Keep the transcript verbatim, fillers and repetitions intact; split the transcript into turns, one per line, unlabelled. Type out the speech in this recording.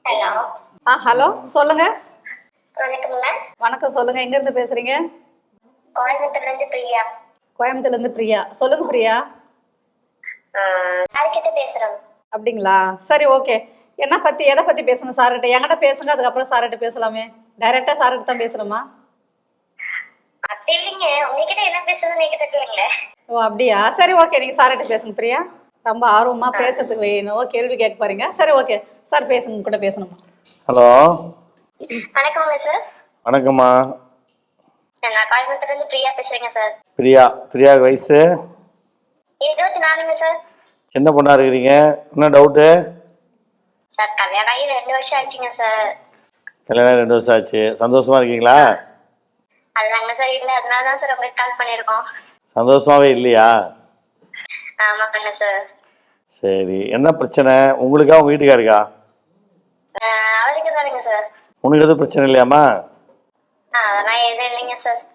Hello.
ஆ hello சொல்லுங்க.
வணக்கம்ங்க.
வணக்கம் சொல்லுங்க. எங்க இருந்து பேசுறீங்க?
கோயம்புத்தூர்ல இருந்து பிரியா.
கோயம்புத்தூர்ல இருந்து பிரியா. சொல்லுங்க பிரியா.
சார் கிட்ட பேசுறோம்.
அப்படிங்களா? சரி ஓகே. என்ன பத்தி எதை பத்தி பேசணும் சார்கிட்ட? என்கிட்ட பேசுங்க, அதுக்கப்புறம் சார்கிட்ட பேசலாமே. டைரக்டா சார்கிட்ட தான் பேசணுமா?
அப்படி இல்லைங்க, உங்ககிட்ட என்ன பேசுறதுன்னு எனக்கு தெரியலங்களே.
ஓ அப்படியா? சரி ஓகே, நீங்க சார்கிட்ட பேசுங்க பிரியா. ரொம்ப ஆர்வமா பேசுறதுக்கு என்னவோ கேள்வி கேட்க போறீங்க. சரி ஓகே சார், பேசுங்க, உங்க கூட பேசணுமா?
ஹலோ.
வணக்கம்ங்க சார்.
வணக்கம்மா.
நான் கோயம்புத்தூர்ல இருந்து பிரியா பேசுறேங்க சார்.
பிரியா. பிரியா வயசு
இருபத்தி நாலுங்க சார்.
என்ன பொண்ணா இருக்கிறீங்க? என்ன டவுட்டு?
சார் கல்யாணம் ஆகி ரெண்டு வருஷம் ஆயிடுச்சுங்க சார்.
கல்யாணம் ரெண்டு வருஷம் ஆச்சு. சந்தோஷமா இருக்கீங்களா?
அதுதாங்க சார் இல்ல, அதனால தான் சார் உங்களுக்கு கால் பண்ணியிருக்கோம்.
சந்தோஷமாவே இல்லையா?
ஆமாங்க சார்.
சரி, என்ன பிரச்சனை உங்களுக்கா உங்க வீட்டுக்காருக்கா?
அவருக்கு தானுங்க சார்.
உனக்கு எதுவும் பிரச்சனை இல்லையாம்மா?
அதெல்லாம் எதுவும் இல்லைங்க சார்.